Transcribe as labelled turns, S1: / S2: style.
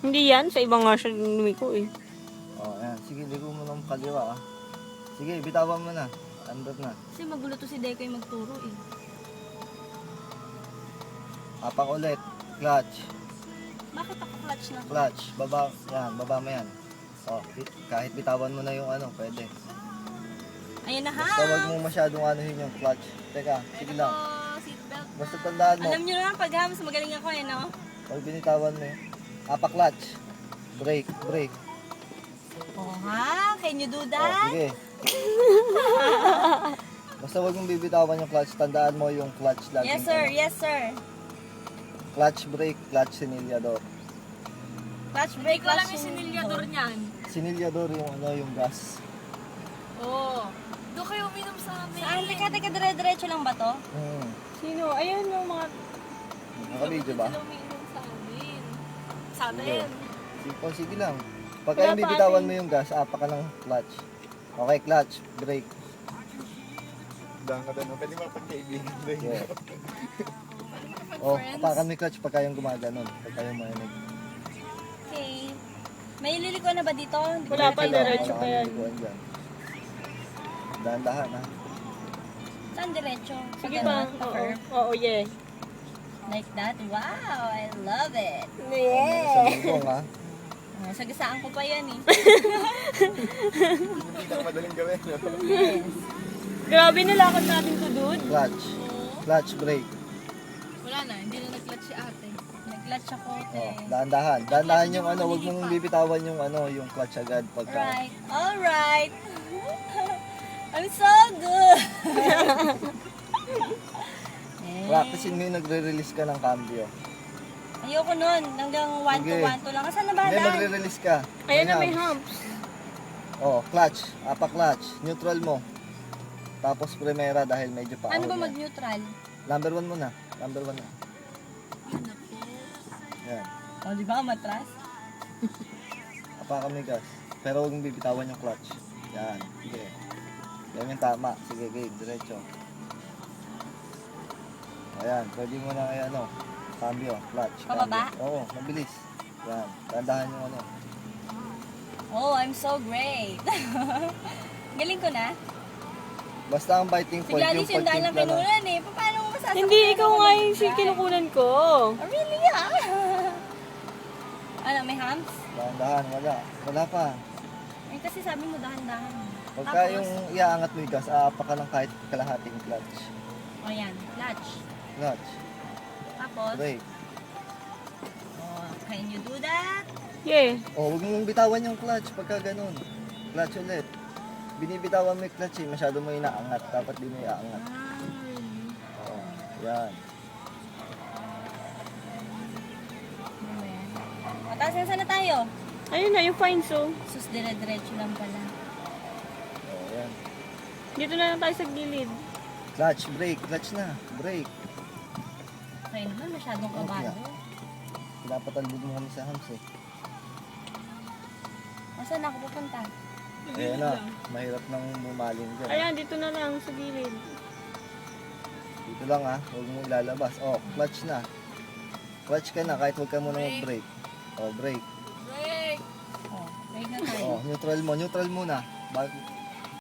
S1: Hindi yan. Sa ibang nga siya lumiko eh.
S2: Oh, ayan. Sige, ligo mo ng kaliwa ah. Sige, bitawan mo na. Andot na.
S3: Kasi magulo to si Dekoy magturo eh.
S2: Apak ulit. Clutch.
S3: Bakit ako clutch na?
S2: Clutch. Baba. Yan, baba mo yan. Oh, kahit bitawan mo na yung ano, pwede.
S3: Ayun na ha!
S2: Basta wag mo masyadong anuhin yung clutch. Teka, sige lang.
S3: Seatbelt.
S2: Basta tandaan mo.
S3: Alam nyo naman pag hams, magaling ako eh, no?
S2: Pag binitawan mo yun. Apak clutch. Brake, brake.
S3: Oh ha? Can you do
S2: Oh,
S3: that?
S2: sige. Basta wag mong bibitawan yung clutch. Tandaan mo yung clutch lagi.
S3: Yes sir, yes sir.
S2: Clutch brake, clutch sinilyador.
S3: Clutch brake,
S4: Hindi ko alam
S3: clutch
S4: yung sinilyador niyan.
S2: Sinilyador yung ano, yung gas.
S4: Oo. Doon kayo uminom sa amin.
S3: Saan? Teka, dire-diretso lang ba to?
S1: Sino? Ayun yung mga...
S2: Nakabidyo ba?
S4: Sila uminom sa amin. Sa amin.
S2: Sige, sige lang. Pagka
S1: Wala
S2: yung
S1: pa
S2: bibitawan
S1: atin.
S2: mo yung gas, apa ka ng clutch. Okay, clutch, brake.
S5: Daan ka doon. Pwede mapagkaibigan doon.
S2: Yeah. Oh, apakan mo yung clutch pagka yung gumaganon. Pagka yung marinig.
S3: Okay. May liliko na ba dito?
S1: Wala pa, diretso
S2: Wala
S1: pa
S2: kang
S1: yan.
S2: likuan dyan. Dahan-dahan ha.
S3: Saan diretso?
S1: Sige
S3: Pag
S1: ba?
S3: ano, pa
S1: Oo.
S3: curve?
S1: Oo, yeah.
S3: Like that? Wow, I love it.
S2: Sa bubong ha.
S3: Oh, sagasaan ko pa yan eh.
S5: Hindi ka madaling gawin. No?
S1: Grabe nalakad natin to, dude.
S2: Clutch. Clutch, brake.
S4: Wala na, hindi na nag-clutch si ate.
S3: Nag-clutch ako, te.
S2: Oh, dahan-dahan. Dahan-dahan yung ano, wag mong bibitawan yung ano, yung clutch agad pagka.
S3: Alright, alright. I'm so good.
S2: Practicein mo yung nagre-release ka ng cambio.
S3: Ayoko nun. Hanggang 1 to
S2: Sige.
S3: 1 to lang. Saan na ba
S2: Hindi,
S3: daan?
S2: magre-release ka.
S1: Ayan na may
S2: hump.
S1: humps.
S2: Oh, clutch. Apa clutch. Neutral mo. Tapos primera dahil medyo pa.
S3: Ano ba mag-neutral?
S2: Number 1 muna. Number 1 na. Yan.
S3: O, di ba matras?
S2: Apakan mo yung gas. Pero huwag mong bibitawan yung clutch. Yan. Sige. Yan yung tama. Sige, game. Diretso. Ayan. Pwede mo na kay ano. Cambio. Clutch.
S3: Pababa?
S2: Cambio. Oo. Mabilis. Yan. Tandahan yung ano.
S3: Oh, I'm so great. Galing ko na.
S2: Basta ang biting
S3: Si
S2: point
S3: Gladys yung daan lang
S2: pagtimpla ng-
S3: kinunan eh. Paano mo masasakit?
S1: Hindi, ikaw nga yung si kinukunan ko.
S3: Oh, really ah? Ano, may hams?
S2: Dahan-dahan. Wala. Wala pa.
S3: Eh, kasi sabi mo dahan-dahan.
S2: Pagka yung iaangat mo yung gas, aapa ka ng kahit kalahating clutch.
S3: O yan, clutch.
S2: Clutch.
S3: Tapos,
S2: Brake.
S3: oh, can you do that?
S1: Yeah.
S2: Oh, huwag mong bitawan yung clutch pagka ganun. Clutch ulit. Binibitawan mo yung clutch eh, masyado mo inaangat. Dapat di mo iaangat. Oh, yan.
S3: Mataas na sana tayo.
S1: Ayun na, yung fine so.
S3: Sus, dire-diretso lang pala.
S2: Oh, yan.
S1: Dito na lang tayo sa gilid.
S2: Clutch, brake, clutch na. Brake.
S3: Kaya naman, masyadong
S2: Oh,
S3: kabado.
S2: yeah. Pinapatalbog mo kami sa hams eh.
S3: O, saan ako pupunta?
S2: Ayan na, mahirap nang bumaling dyan.
S1: Ayan, dito na lang sa gilid.
S2: Dito lang ha, huwag mo ilalabas. Oh, clutch na. Clutch ka na kahit huwag ka muna mag-brake. Oh, brake.
S4: Break!
S3: Oh, break na tayo.
S2: Oh, neutral mo. Neutral muna.